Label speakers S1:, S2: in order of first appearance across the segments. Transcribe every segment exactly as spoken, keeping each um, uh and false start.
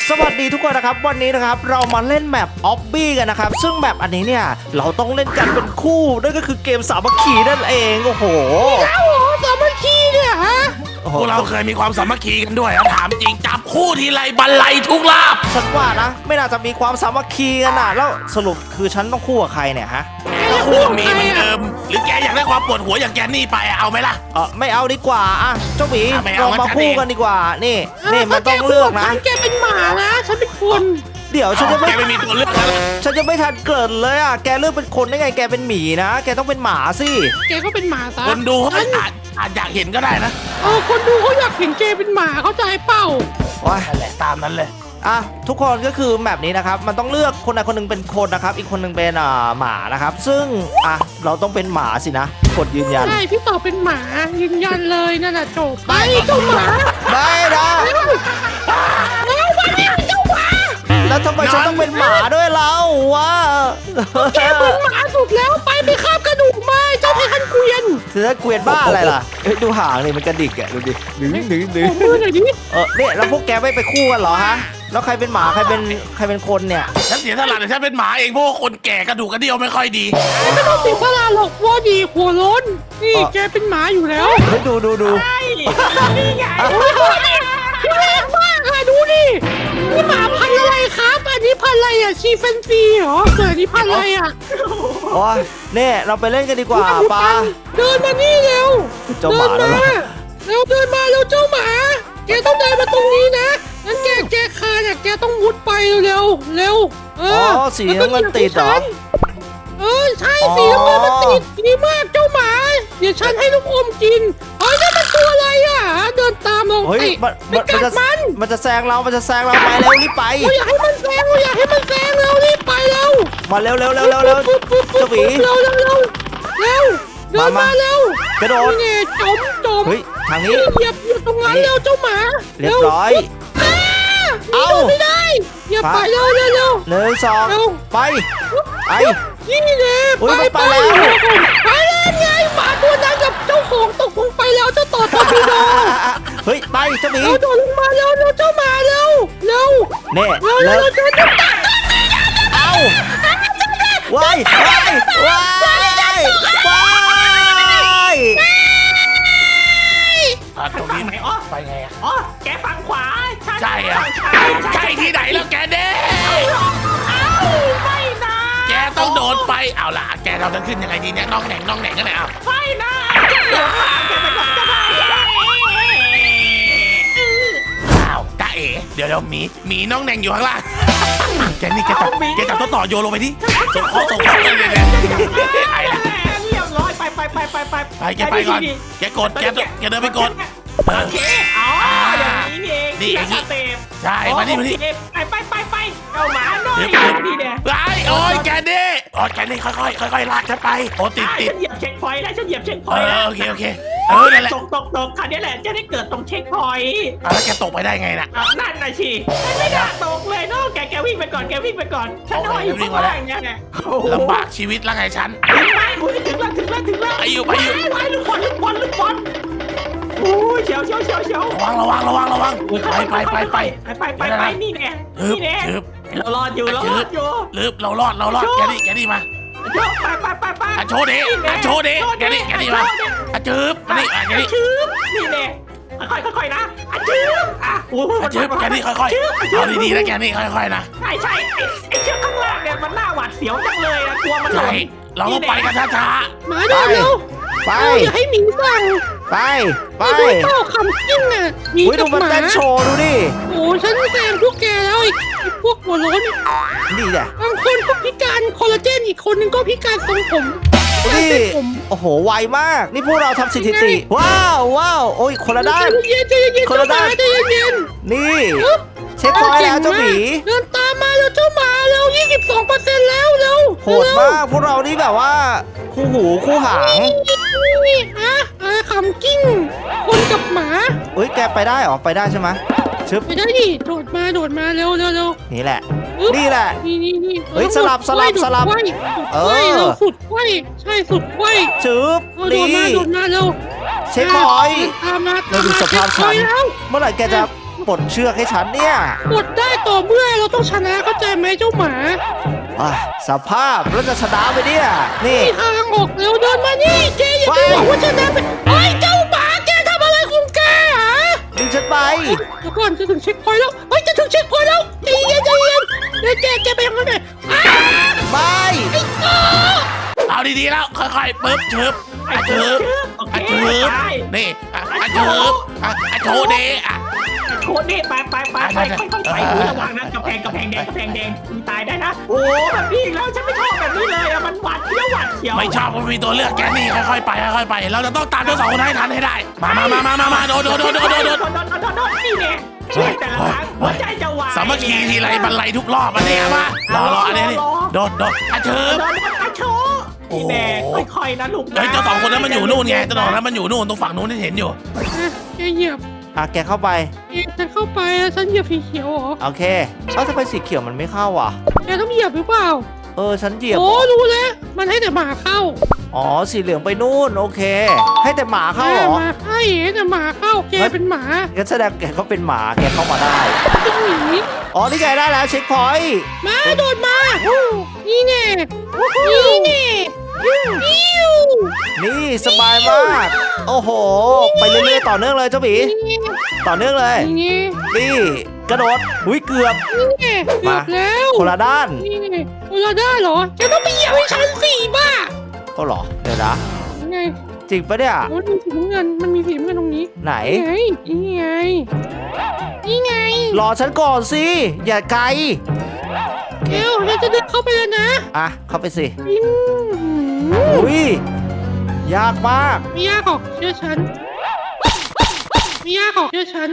S1: สวัสดีทุกคนนะครับวันนี้นะครับเรามาเล่นแมปออบบี้กันนะครับซึ่งแมปอันนี้เนี่ยเราต้องเล่นกันเป็นคู่นั่นก็คือเกมสามัคคีนั่นเองโอ้โห
S2: โอ้โหสามัคคีเนี่ยฮะ
S3: พวกเราเคยมีความสามัคคีกันด้วยถามจริงจับคู่ทีไรบันไลทุกลาบ
S1: ฉันว่านะไม่น่าจะมีความสามัคคีกันนะแล้วสรุปคือฉันต้องคู่กับใครเนี่ยฮะ
S3: ก็คู่มีเหมือนเดิมหรือแกอยากได้ความปวดหัวอย่างแกนี่ไปเอาไหมล่ะ
S1: เออไม่เอาดีกว่าอ่ะเจ้าหมีเรามาคู่กันดีกว่านี่นี่
S2: มั
S1: นต้องเลือกนะ
S2: แกเป็นหมานะฉันเป็นคน
S1: เดี๋ยวฉันจะไม่
S3: ไม่มีตัวเลือกแล้ว
S1: ฉันจะไม่ทันเกิดเลยอ่ะแกเลือกเป็นคนได้ไงแกเป็นหมีนะแกต้องเป็นหมาสิ
S2: แกก็เป็นหมาซะ
S3: คนดูเขาอาจอาจอยากเห็นก็ได้นะ
S2: เออคนดูเขาอยากเห็นแกเป็นหมาเข้าใจเปล่า
S1: ว้า
S3: นั่นแหละตามนั้นเลย
S1: อ่ะทุกคนก็คือแบบนี้นะครับมันต้องเลือกคนใดคนหนึ่งเป็นคนนะครับอีกคนหนึ่งเป็นอ่าหมานะครับซึ่งอ่ะเราต้องเป็นหมาสินะกดยืนยัน
S2: ใช่พี่ต่อเป็นหมายืนยันเลยนั่นแหละจบไปเจ้าหมา
S1: ไม่นะ
S2: แล้ววันนี้เจ้าหมา
S1: แล้วทำไมฉันต้องเป็นหมาด้วยเราวะ
S2: แกเป็นหมาสุดแล้วไปไปคาบกระดูกมาเจ้าไททันเกวียน
S1: เธอเกวียนบ้าอะไรล่ะเฮ้ยดูหางนี่มันกระดิกอ่ะดูดิดึงดึงดึง
S2: มือหน่อยดิ
S1: เออเนี่ยแล้วพวกแกไม่ไปคู่กันเหรอฮะแล้วใครเป็นหมาใครเป็นใครเป็นคนเนี่ย
S3: ฉันเสียสละแต่ฉันเป็นหมาเองเพราะว่าคนแก่กระดูกกระเดี่ยวไม่ค่อยดี
S2: ไม่ต้องเสียสละหรอกว่าดีหัวล้นนี่แกเป็นหมาอยู่แล้ว
S1: เฮ้ยดูดูดู
S2: นี่ไงพี่แรงมากค่ะดูดินี่หมาพันธุ์อะไรครับอันนี้พันธุ์อะไรอ่ะชีเฟนซีเหรอเกิดนี่พันธุ์อะไรอ่ะ
S1: โอ้ยเนี่ยเราไปเล่นกันดีกว่าปา
S2: เดินมานี่เร็ว
S1: เจ้าหมา
S2: เร็วเดินมาเร็วเจ้าหมาแกต้องเดินมาตรงนี้นะงั้นแกแกคาเนี่ยแกต้องมุดไปเร็วเร็วเอ
S1: อสีน้ำเงินติดเหรอ
S2: เออใช่สีน้ำเงินมันติดดีมากเจ้าหมาเดี๋ยวฉันให้ลูกอมกินเฮ้ยนี่มันตัวอะไรอ่ะเดินตามเรา
S1: เฮ้ยมันมันจะมันจะแซงเรามันจะแซงเราไปเร็วรีบไป
S2: อยากให้มันแซงอยากให้มันแซงเร็วรีบไปเร็ว
S1: มาเร็วเร็วเร็วเร็วเร็วเจ้าหมี
S2: เร็วเร็วเร็วเร็วเดินมาเร็ว
S1: กระโดด
S2: นี่จมจม
S1: เฮ้ยทางนี้
S2: เหยียบอยู่ตรงนั้นเร็วเจ้าหมา
S1: เรียบร้อย
S2: เอาไม่ได้อย่าไปเร็วเร็วเร็ว
S1: หนึ่งสองไปไป
S2: นี่เลยไปไปแล้วไปแล้วไงหมาตัวนั้นกับเจ้าของตกลงไปแล้วเจ้าต่อตอพี่น้อง
S1: เฮ้ยไปเจ้าหมี
S2: เราโดดลงมาเร็วเร็วเจ้าหมาเร็วเร็ว
S1: เน่
S2: เร็วเร็วเจ้า
S1: เอาว้ายว้ายว้ายว้าย
S3: ตรงนี้ไหนอ๋อไปไงอ่ะ
S4: อ๋อแกฝั่งขวา
S3: ใช่อ่ะใช่ที่ไหนแล้วแกเด้
S4: เอ้าไม่นะ
S3: แกต้องโดดไปเอาล่ะแกเราจะขึ้นยังไงดีเนี่ยน้องแหน่งน้องแหน่งกันไหนอ่ะ
S4: ไม่นะแกเป็นคนจะได้
S3: อ้าวตาเอ๋เดี๋ยวเดี๋ยวหมีหมีน้องแหน่งอยู่ข้างล่างแกนี่แกจับแกจับตัวต่อโยนลงไปดิส่งข้อส่งข้อเลยเนี่ย
S4: ไอ้เรียบร้อยไปไปไปไปไป
S3: ไปแกไปก่อนแกกดแกแกเดินไปกด
S4: โอเคเอาอย่างนี้เองนี่สเต็ป
S3: ใช่มานี่มานี่
S4: ไปไปไปไปเอาหมาหน่อยนี่เนี่ย
S3: ไอ้โอ้ยแกนี่โอ้ยแกนี่ค่อยค่อยค่อยค่อยลากฉันไปโอ้ติดติด
S4: ฉันเหยียบเช็คพอยต์แล้วฉันเหยียบเช็คพอยต์แล้ว
S3: โอเคโอเคเออนั่นแหละ
S4: ตกตกตกคราวนี้แหละจะได้เกิดตรงเช็คพอยต์
S3: แล้วแกตกไปได้ไงน่ะ
S4: นั่นน่ะชีไม่ได้ตกเลยเนาะแกแกวิ่งไปก่อนแกวิ่งไปก่อนฉันห้อยอยู่ข้างล่างเนี่ยเนี่ย
S3: ลำบากชีวิตแล้วไงฉัน
S4: ไม่กูจะถึงแล้วถึงแล้วถึงแล้ว
S3: ไปอยู่ไปอยู่
S4: ไปลูกบอลลูกบอลลูกบอลโอ้ยเฉียวเฉียวเฉียวเฉียว
S3: ระวังระวังระวังระวังไปไปไปไป
S4: ไปไปไปนี่แน่นี่แน่เรารอดอยู่เรารอดอยู่
S3: ลืบเรารอดเรารอดแกนี่แกนี่มา
S4: ไปไปไปไป
S3: โชว์ดิโชว์ดิแกนี่แกนี่มาจืบมานี่แกนี่
S4: จืบนี่แน่ค่อยค่อยๆนะจืบอ่ะโอ้
S3: จืบแกนี่ค่อยๆเอาดีๆนะแกนี่ค่อยๆนะ
S4: ใช่ใช่ไอ้เชือกข้างล่างเนี่ยมันน่าหวาดเสียวจังเลยอะกลัวมันหล่น
S3: เราต้องไปกันช้า
S2: ๆมาเร็ว
S1: ไป
S2: อย่าให้หมีสั่ง
S1: ไปไป
S2: ดูเจ้าคำกิ้งอ่ะหมีกับหมา
S1: เต้นโชว์ดูดิ
S2: โอ้ฉันแซงพวกแกแล้วอีกพวกหัวโล้น
S1: นี่แหละ
S2: บางคนก็พิการคอลลาเจนอีกคนนึงก็พิการทรงผม
S1: นี่โอ้โหไวมากนี่พวกเราทำสถิติว้าวว้าวโอ้ยคนละด้าน
S2: คนละด้านใจเย็น
S1: นี่เช็คพอยต์แล้วเจ้าหมี
S2: เดินตามมาแล้วเจ้าหมาแล้ว ยี่สิบสองเปอร์เซ็นต์ แล้วเร็ว
S1: โหดมากพวกเรานี่แบบว่าคู่หูคู่หาง
S2: นี่ฮะคำกิ้งคนกับหมา
S1: เฮ้ยแกไปได้หรอไปได้ใช่ไหมชึบ
S2: ไปได้ดิโดดมาโดดมาเร็วเร็วเร็ว
S1: นี่แหละนี่แหละ
S2: นี่นี่นี่
S1: เฮ้ยสลับสลับสลับ
S2: เออสุดไขว้ใช่สุดไขว้
S1: ชึบ
S2: นี่โดดมาโดดมาเร็ว
S1: เช็คพอยต์
S2: ตามมา
S1: เราดูสภาพฉันเมื่อไหร่แกจะปลดเชือกให้ฉันเนี่ย
S2: ปลดได้ต่อพื่อนเราต้องชนะเข้าใจไหมเจ้าหมา
S1: อ่ะสภาพแล้วจะชนะไปเนี่ยนี่
S2: นี่ทางออกเร็วเดินมานี่แกอย่าไปบอกว่าชนะไปไอ้เจ้าหมาแกทำอะไรของแกฮะ
S1: ดึงฉันไป
S2: เดี๋ยวก่อนจะถึงเช็คพอยต์แล้วเฮ้ยจะถึงเช็คพอยต์แล้วใจเย็นใจเย็นเดี๋ยวแกแกไปยังไงเนี่ยอ้า
S1: ไม่
S2: ไอ้โต
S3: เอาดีๆแล้วค่อยๆปึ๊บชึบอ่ะชึบ
S4: โอ
S3: อ่ะ
S4: เค
S3: ชึบ
S4: ได้
S3: นี่อ่ะอ่ะชึบอ่ะอ่ะโชว์เดอ่ะ
S4: โคตรนี่ไปไปไปไปค่อยๆไประวังนะกระแพงกระแพงแดงกระแพงแดงมีตายได้นะโอ้แบบนี้อีกแล้วฉันไม่ชอบแบบนี้เลยอะมันหวาดเสียวหวาดเสียว
S3: ไม่ชอบมันมีตัวเลือกแกนี่ค่อยๆไปค่อยๆไป เราจะต้องตามเจ้าสองคนให้ทันให้ได้ มามามามามามาโดดโดดโดดโดดโดดโดด
S4: โดนโดนโดนโดนนี่เนี่ยเชื่อแต่ละครั้งหัวใจจะวาย
S3: สามัคคีทีไรบรรลัยทุกรอบอันนี้มารอรออันนี้นี่โดดโดดอ่ะชึ
S4: โด
S3: บ
S4: นโดนอาโชนี่แน่ค่อยๆนะลูกนะ
S3: เฮ้ยเจ้าสองคนนั้นมันอยู่นู่นไงเจ้าสองคนนั้นมันอยู่นู่นตรงฝั่งนู้นที่เห็นอยู่
S2: อ่ะแกเหยียบ
S1: อ่ะแกเข้าไป
S2: แกฉันเข้าไปแล้วฉันเหยียบสีเขียวเหรอ
S1: โอเคเอ้าทำไมสีเขียวมันไม่เข้าอ่ะ
S2: แกต้องเหยียบหรือเปล่า
S1: เออฉันเหยียบ
S2: โอ้รู้แล้วมันให้แต่หมาเข้า
S1: อ๋อสีเหลืองไปนู่นโอเค ให้แต่หมาเข้าเหรอ
S2: หมาใช่แต่หมาเข้าแกเป็นหมา
S1: งั้นแสดงแกก็เป็นหมาแกเข้ามาได้
S2: เป็นหมี
S1: อ๋อนี่ไงได้แล้วเช็คพอยต์
S2: มาโดดมานี่แน่นี่แน่ปิ้ว
S1: นี่สบายมากโอ้โห ไปเรื่อยๆต่อเนื่องเลยเจ้าหมี
S2: นี่
S1: ต่อเนื่องเลย
S2: นี่
S1: นี่กระโดดอุ้ยเกือบ
S2: นี่แน่เกือบแล้ว
S1: คนละด้าน
S2: นี่แน่คนละได้เหรอแกต้องไปเหยียบให้ฉันสี่บ้า
S1: ก็หรอเดี๋ยวนะ
S2: ยังไง
S1: จริงปะเนี่ย
S2: โอ้ยมีสีน้ำเงินมันมีสีน้ำเงินตรงนี้
S1: ไหน
S2: ไงนี่ไงนี่ไง
S1: รอฉันก่อนสิอย่าไกล
S2: เกลเราจะเดินเข้าไปแล้วนะ
S1: อ่ะเข้าไปสิ
S2: อืม
S1: อุ้ยยากมาก
S2: ไม่ยากหรอกเชื่อฉันไม่ยากหรอกเชื่อฉัน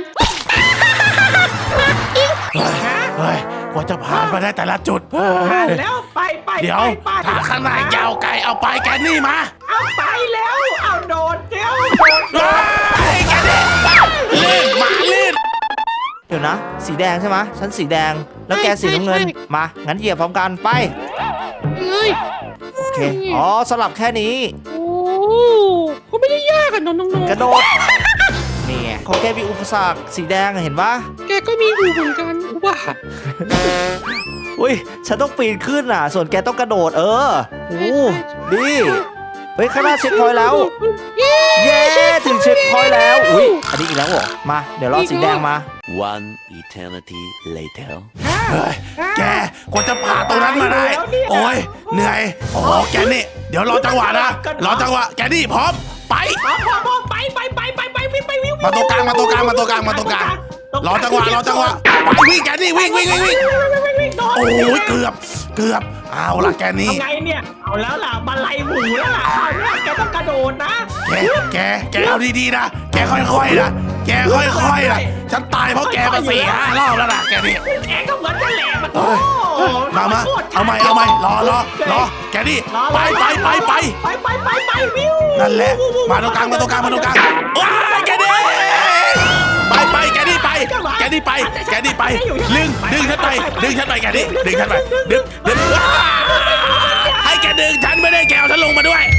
S3: เฮ้ยเฮ้ยกว่าจะผ่านมาได้แต่ละจุดเฮ้
S4: ผ่าน
S3: ย
S4: แล้วไปไป
S3: เดี๋ยว
S4: ไป
S3: ทางข้างหน้ายาวไกลเอาไปแกนี่มา
S4: เอาไปแล้วเอาโดดเดี๋ยวโดด
S3: เฮ้ยแกนี่ลื่นหมาลื่น
S1: เดี๋ยวนะ สีแดงใช่ไหมฉันสีแดงแล้วแกสีน้ำเงินมางั้นเหยียบพร้อมกันไป
S2: เลย
S1: โอเคอ๋อสลับแค่นี้
S2: โอ้ก็ไม่ได้ยากอะน้องๆ
S1: กระโดดนี่ไงเขาแค่มีอุปสรรคสีแดงอะเห็นปะ
S2: แกก็มีอยู่เหมือนกันว่า
S1: อุ้ยฉันต้องปีนขึ้นอ่ะ ส่วนแกต้องกระโดดเออโอ้ดีเฮ้ยข้างหน้าเช็คพอยต์แล้ว
S2: เย้
S1: เย้ถึงเช็คพอยต์แล้วอุ้ยอันนี้อีกแล้วเหรอมาเดี๋ยวรอสีแดงมา
S5: One eternity later.
S3: เฮ้ยแกกว่าจะผ่านตรงนั้นมาได้ โอ้ยเหนื่อยโอ้โหแกนี่เดี๋ยวรอจังหวะนะรอจังหวะแกนี่พร้อมไป
S4: พอพอพอไปไปไปไปไปวิ่งไปวิ่ง
S3: มาตรงกลางมาตรงกลางมาตรงกลางมาตรงกลางรอจังหวะรอจังหวะไปวิ่งแกนี่วิ่งวิ่งวิ่งวิ่งโอ้ยเกือบเกือบเอาล่ะแกนี่
S4: ทำไงเนี่ยเอาแล้วล่ะบันไลหมูแล้วล่ะคราวนี้แกต้องกระโดดนะ
S3: แกแกแกเอาดีๆนะแกค่อยๆนะแกค่อยๆนะฉันตายเพราะแกมาสี่ห้ารอบแล้วนะแกนี่
S4: แกก็เหมือนกันแหละมัน
S3: เอ้ยมามาเอาใหม่เอาใหม่รอรอรอแกนี่ไปไปไปไป
S4: ไปไปไปไปวิว
S3: นั่นแหละมาตรงกลางมาตรงกลางมาตรงกลางว้ายแกนี่ไปไปแกนี่ไปแกนี่ไปแกนี่ไปดึงดึงฉันไปดึงฉันไปแกนี่ดึงฉันไปดึงดึงว้ายให้แกดึงฉันไม่ได้แกเอาฉันลงมาด้วย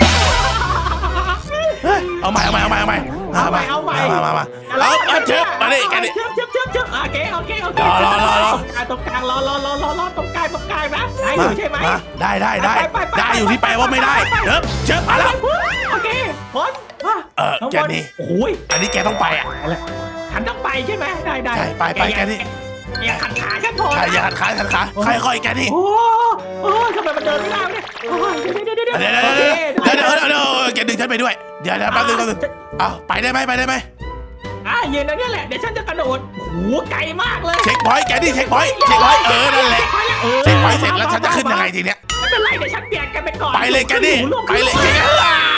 S3: เอาใหม่เอาใหม่เอาใหม่เอาใหม่
S4: เอาใหม่เอาใหม่
S3: มามามาเอาเอาเชิบมาดิแกนี่
S4: เชิบเชิบเชิบเชิบโอเคโอเคโอเค
S3: รอรอรอรอ
S4: ตรงกลางรอรอรอรอรอตรงกลางตรงกลางนะได้อยู่ใช่ไหม
S3: มาได้ได้ได้ได้อยู่ที่แปลว่าไม่ได้เชิบเชิบมาแล้ว
S4: โอเคพร้อม
S3: เออแกนี่
S4: โอ้ย
S3: อันนี้แกต้องไปอ่ะ
S4: ฉันต้องไปใช่ไหมได้ได้
S3: ใช่ไปไปแกนี่
S4: อย่าขัดขาฉันพอ
S3: ใช่อย่าขัดขาขัดขาค่อยๆแกนี่
S4: โอ้โหทำไมมันเดินไม่ได้เนี่ยเดี๋ยวเดี๋ยวเดี๋ยว
S3: เดี๋ยวเดี๋ยวเดี๋ยวเดี๋ยวเดี๋ยวเดี๋ยวแกดึงฉันไปด้วยเดี๋ยวเดี๋ยวแป๊บนึงแป๊บนึงเอาไปได้ไหมไปได้ไหม
S4: อ่ะยืนตรงนี้แหละเดี๋ยวฉันจะกระโดดโอ้โหไกลมากเลย
S3: เช็คพอยต์แกนี่เช็คพอยต์เช็คพอยต์เออนั่นแหละเช็คพอยต์เสร็จแล้วฉันจะขึ้นยังไงทีเนี้ย
S4: ไม่เป็นไรเดี๋ยวฉันเปลี่ยนกันไปก่อน
S3: ไปเลยแกนี่ไปเลยแกนี่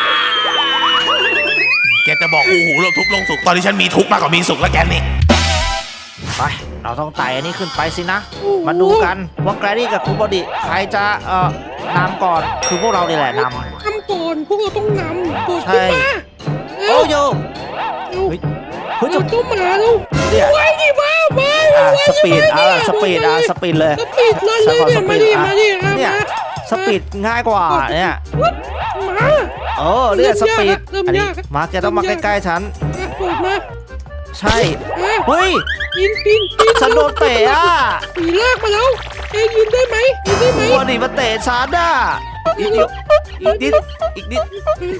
S3: แกจะบอกอู้หูลงทุกข์ลงสุขตอนนี้ฉันมีทุกข์มากกว่ามีสุขแล้วแกนี่
S1: ไปเราต้องไต่อันนี้ขึ้นไปสินะ มาดูกันว่าแกรนี่กับคุณบอดี้ใครจะเอ่อนำก่อนคือพวกเรานี่แหละน
S2: นำก่อนพวกเราต้องนำโดด
S1: ใช่
S2: ขึ้นมา
S1: ำ
S2: เร็
S1: โอ้
S2: ว
S1: โย
S2: เร็ว
S1: เฮ้ยเฮ้ย
S2: เร็
S1: จะ
S2: วเจ้าหมาเร็ว
S1: เนี่ย
S2: ไว้ดิมามา
S1: อ่ะ
S2: ไว้
S1: สปีด
S2: มา
S1: อ่ะสปีดอ่ะสปีดเลย
S2: สปีดเลยเลย
S1: ฉั
S2: เนี่ย
S1: ขอ
S2: มาดิ
S1: อ่ะ
S2: มาดิอ่ะ
S1: เนี่ย
S2: มา
S1: สปีดง่ายกว่าเนี่ย
S2: วัดมา
S1: เออเนี่ยสปีด
S2: เริ่ม
S1: อันนี้
S2: ยากแล้ว
S1: มาแกต้องมาใกล้ๆฉัน
S2: อ่ะโดดมา
S1: ใช่
S2: อ่ะ
S1: เฮ้ย
S2: ปีนปีนปีน
S1: ฉันโดนเตะอ่ะ
S2: ปีลากมาแล้วแกยืนได้ไหมยืนได้ไหม
S1: บอดี้มาเตะฉันอ่ะอีกนิดอีกนิดอีกนิด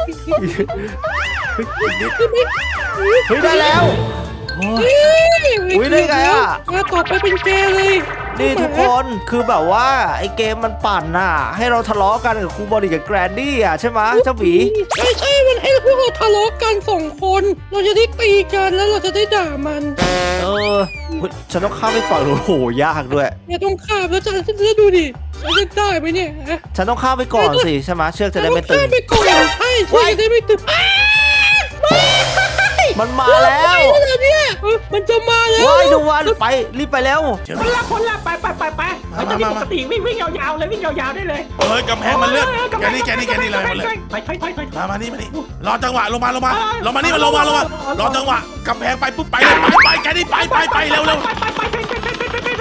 S2: ได้ไหม
S1: เฮ้ยได้แล้วโอ้ย อุ๊ยได้ไงอะ
S2: มาต่อไปเป็นแกเลย
S1: นี่ทุกคนคือแบบว่าไอ้เกมมันปั่นน่ะให้เราทะเลาะกันกับครูบอดี้กับแกรนดี้อ่ะใช่ไหมเจ้าหมี
S2: ใช่ใช่มันให้พวกเราทะเลาะกันสองคน เราจะได้ตีกันแล้วเราจะได้ด่ามัน
S1: เออเฮ้ยฉันต้องข้ามไปฝั่งโน้นโหยากด้วย
S2: อย่าต้องข้ามแล้วจะจะดูดิเราจะได้ไหมเนี่ยฮะ
S1: ฉันต้องข้ามไปก่อนสิใช่ไหมเชือกจะได้ไม่ตึ
S2: เรา
S1: ง
S2: ข้ามไปก่อนใช่ใช่จะได้ไม่ตึงอ้าว
S1: มันมาแล้ว
S2: ไปแล้วเนี่ยเออมันจะมาแล้ว
S1: ว้ายดูวันไปรีบไปแล้ว
S4: คนละคนละไปไปไปไปเราจะมีปกติวิ่งวิ่งยาวๆเลยวิ่งยาวๆได้เลย
S3: เฮ้ยกำแพงมันเลื่อนแกนี่แกนี่แกนี่เลยมาเลย
S4: ไปไปไปไป
S3: มามานี่มานี่รอจังหวะลงมาลงมาลงมานี่มาลงมาลงมารอจังหวะกำแพงไปปุ๊บไปเลยไปไปแกนี่ไปไปไปเร็วเร็ว
S4: ไปไปไปไปไปไปไปไป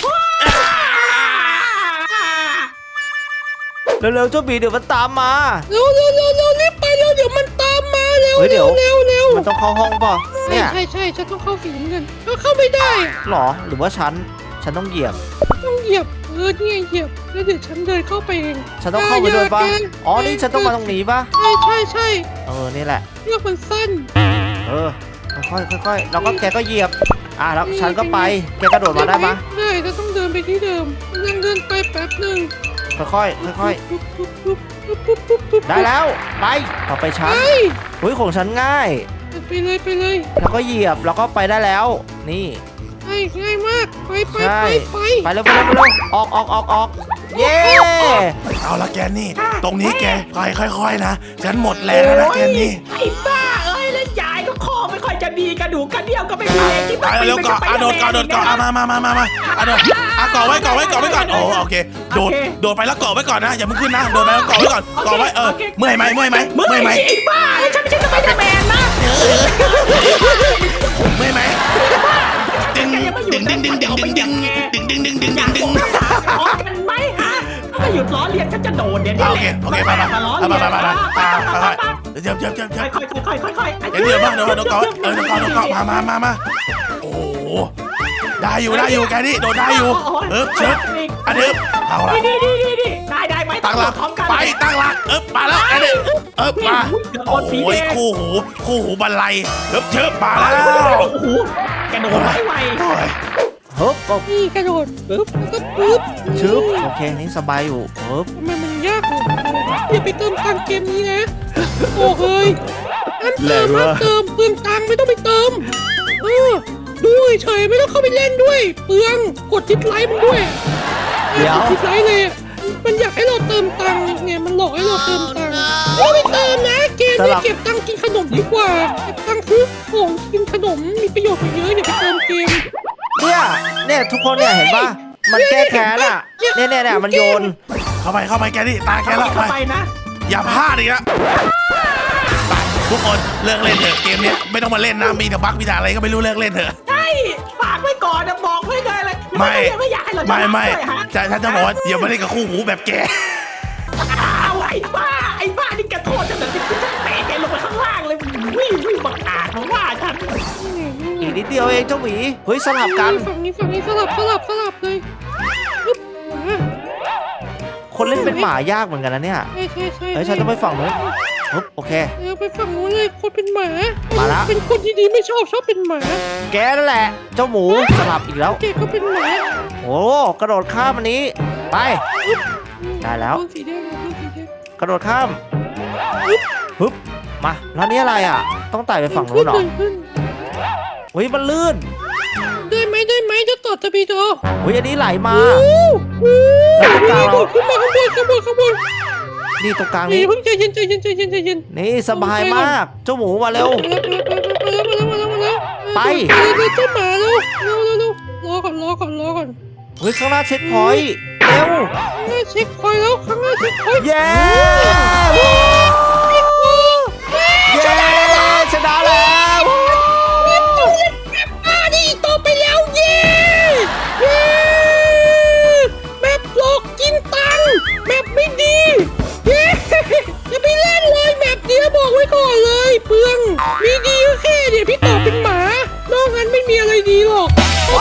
S1: เร็วๆเจ้าหมีเดี๋ยวมันตามมา
S2: เร็วเร็วเร็วเร็วรีบไปเร็วเดี๋ยวมันตามมาเร็ว
S1: เฮ้ยเดี๋
S2: เร็
S1: ยว
S2: วเร็วเร็ว
S1: มันต้องเข้าห้องป่ะ
S2: ใช่
S1: เนี่ย
S2: ใช่ใช่ฉันต้องเข้าฝีมือกันก็เข้าไม่ได้อะ
S1: หรอหรือว่าฉันฉันต้องเหยียบ
S2: ต้องเหยียบเออนี่ไงเหยียบแล้วเดี๋ยวฉันเดินเข้าไปเอง
S1: ฉันต้องเข้าไปด้วยป่ะ
S2: แก
S1: อ๋อนี่ฉันต้องมาตรงนี้ป่ะ
S2: ใช่ใช่ใช่
S1: เออนี่แหละ
S2: เลือกมันสั้น
S1: เออค่อยๆค่อยๆแล้วก็แกก็เหยียบอ่ะแล้วฉันก็ไปแกกระโดดมาได้ปะ
S2: ได้ก็ต้องเดินไปที่เดิมยังเดินไปแป๊บหนึ่ง
S1: ค่อยๆค่อย
S2: ปุ๊บปุ๊บปุ๊บปุ๊บปุ๊บปุ๊บปุ๊บ
S1: ๆได้แล้วไปต่อไปฉัน
S2: ไป
S1: เฮ้ยของฉันง่าย
S2: ไปเลยไปเลย
S1: แล้วก็เหยียบแล้วก็ไปได้แล้ว นี่
S2: ง่ายง่ายมากไปไป
S1: ใช่
S2: ไปไป
S1: ไปเร็วไปเร็วไปเร็วออกออกออกออกเย้
S3: เอาละแกนี่ ตรงนี้แกค่อยค่อยๆนะฉันหมดแรงแล้วนะแกนี่
S4: ไอ้บ้าเอ้ยเล่นใหญ่ก็คอไม่ค่อยจะดีกระดูกกระเดี่ยวก็ไม่มีที่
S3: ไปเร็วเกาะอ่ะโดดเกาะโดดเกาะอ่ะมามามามามาอ่ะโดดอ่ะเกาะไว้เกาะไว้เกาะไว้ก่อนโอ้โอเคโดดโดดไปแล้วเกาะไว้ก่อนนะอย่าเพิ่งขึ้นนะโดดไปแล้วเกาะไว้ก่อนเกาะไว้เออเมื่อยไหมเมื่อยไหม
S4: เมื่
S3: เมื่อยไหม
S4: อไอ้บ้าฉันไม่ใช่สไปเดอร์แมนนะ
S3: เมื่อยไหมดึงดึงดึงดึงดึงดึงดึงดึงดึงดึงดึง
S4: อ
S3: ดึ
S4: ยาง ก
S3: ดึ
S4: บ
S3: ง
S4: อกภาษาขอกันไหมฮะถ้าหยุดล้อเลียนฉันจะโดดเดี๋ยวนี้
S3: โอเคโอเคไปไป
S4: มาล้อ
S3: ไป
S4: เลียน
S3: ไปไปไปไปไปเดี๋ยวเดี๋ยวเดี๋ยวเดี๋ยว
S4: ค่อยๆค่อยๆค่อยๆ
S3: เดี๋ยวเดี๋ยวมาเดี๋ยวเดี๋ยวเกาะเออเดี๋ยวเกาะเดี๋ยวเกาะมามามามาโอ้ได้อยู่ได้อยู่แกนี่โดดได้อยู่เออเชิญอันนี้เอาละ
S4: นี่นี่นี่นี่ได้ได้ไหม
S3: ตั้งหลัก
S4: พร้อมกัน
S3: ไปตั้งหลักเอ๊บมาแล้วอันนี้เอ๊บมาโอ้ยคู่หูคู่หูบรรลัยเอ๊บเชิบมาแล้ว
S4: โอ้โหกระโดดไวไว
S3: โอ้ย
S1: ฮึบก็
S2: นี่กระโดดปุ๊บแล้วก็ปุ๊บ
S1: ชึบโอเคนี่สบายอยู่ฮึบ
S2: ทำไมมันยากเลยอย่าไปเติมตังค์เกมนี้นะโอ้เฮ้ยอันเติมอันเติมเปลืองตังค์ไม่ต้องไปเติมเออดูเฉยๆไม่ต้องเข้าไปเล่นด้วย เปลืองกดทิปไลค์มันด้วย
S1: เดี๋ยว
S2: กดทิปไลค์เลยอะมันอยากให้เราเติมตังค์ไงมันหลอกให้เราเติมตังค์ไม่ต้องไปเติมนะเกมเนี่ยเก็บตังค์กินขนมดีกว่าเก็บตังค์ซื้อของกินขนมมีประโยชน์กว่าเยอะอย่าไปเติมเกม
S1: เนี่ยเนี่ยทุกคนเนี่ยเห็นปะมันแก้แค้นอ่ะเนี่ยเนี่ยเนี่ยมันโยน
S3: เข้าไปเข้าไปแกนี่ตาแกแล้วไป
S4: เข้าไปนะ
S3: อย่าพลาดอีกนะไปทุกคนเลิกเล่นเถอะเกมเนี้ยไม่ต้องมาเล่นนะมีแต่บั๊กมีแต่อะไรก็ไม่รู้เลิกเล่นเถอะ
S4: ใช่ฝากไว้ก่อนนะบอกไว้เลยเลย
S3: ไม่
S4: ไม่อยากให้เรา
S3: ไม่ไม่
S4: ฮะ
S3: จะฉันจะบอกว่าอย่ามาเล่นกับคู่หูแบบแก
S4: เอาไอ้บ้าไอ้บ้านี่กระโทษฉันแบบที่ฉันเตะแกลงไปข้างล่างเลยวิ่งวิ่งบังอาจมาว่าฉัน
S1: อีกนิดเดียวเองเจ้าหมีเฮ้ยสลับกัน
S2: ฝั่งนี้ฝั่งนี้สลับสลับสลับเลยปึ๊บมา
S1: คนเล่นเป็นหมายากเหมือนกันนะเนี่ย
S2: ใช่ใช่ใช่
S1: เฮ้ยฉันต้องไปฝั่งนู้นฮึบโอเค
S2: เออไปฝั่งนู้นเลยคนเป็นหมา
S1: มาละ
S2: เป็นคนที่ดีไม่ชอบชอบเป็นหมา
S1: แกนั่นแหละ เจ้าหมูสลับอีกแล้ว
S2: แกก็เป็นหมา
S1: โอ้กระโดดข้ามอันนี้ไป ได้แล้ว
S2: โดนสีแดงโดนสีแดง
S1: กระโดดข้ามฮึบมาแล้วนี่อะไรอ่ะ ต้องไต่ไปฝั่งนู้นเหรอ
S2: เดิขึ้น
S1: เฮ้ยมันลื่น
S2: ได้ไหมได้ไหมจะต่อตะบีโด
S1: เฮ้ยอันนี้ไหลมา
S2: โอ้โห
S1: แล้วตรงกลางเรา
S2: ขึ้นมาข้างบนข้างบนข้างบน
S1: นี่ตรงกลาง
S2: นี่
S1: นี้
S2: เพิ่งใจเย็นใจเย็นใจเย็นใจเย็น
S1: นี่สบายมาก เจ้าหมูมาเร็ว
S2: มาแล้วมาแล้วมาแล้วมาแล้วมาแล้ว
S1: ไป
S2: เร็วเจ้าหมาเร็วเร็วเร็วเร็วรอก่อนรอก่อนรอก่อน
S1: เฮ้ยข้างหน้าเช็คพอยต์เร็ว
S2: ข้างหน้าเช็คคอยแล้วข้างหน้าเช็คคอย
S1: เย้เย้ชนะแล้ว
S2: มาดิต่อไปแล้วเย้เย้แมปหลอกกินตังค์แมปไม่ดีเย้อย่าไปเล่นเลยแมปเนี้ยบอกไว้ก่อนเลยเปลืองมีดีก็แค่เดี๋ยวพี่ต่อเป็นหมานอกนั้นไม่มีอะไรดีหรอกถ้า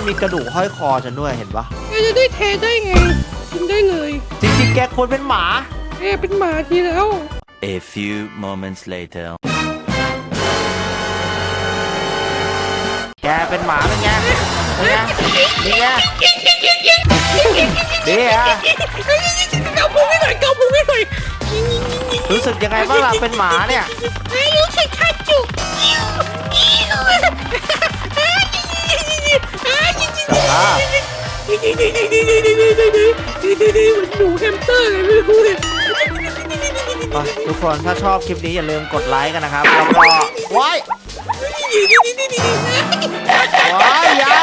S1: มีกระดูกห้อยคอฉันด้วยเห็นปะ
S2: แกจะได้แทนได้ไงกินได้เลย
S1: จริงๆแกควรเป็นหมา
S2: แกเป็นหมาทีแล้ว
S5: A few moments later.
S1: แกเป็นหมาเป็นไงเป็นไงเป็นไงดีอะ
S2: เกาพุงให้หน่อยเกาพุงให้หน่อย
S1: รู้สึกยังไงบ้างล่ะเป็นหมาเนี่ย
S2: ไม่รู้สึกขาดจุก
S1: สภาพ
S2: เหมือนหนูแฮมสเตอร์เลยไม่รู้เลย
S1: อ่ะทุกคนถ้าชอบคลิปนี้อย่าลืมกดไลค์กันนะครับแล้วก็ว้ายว้ายอยา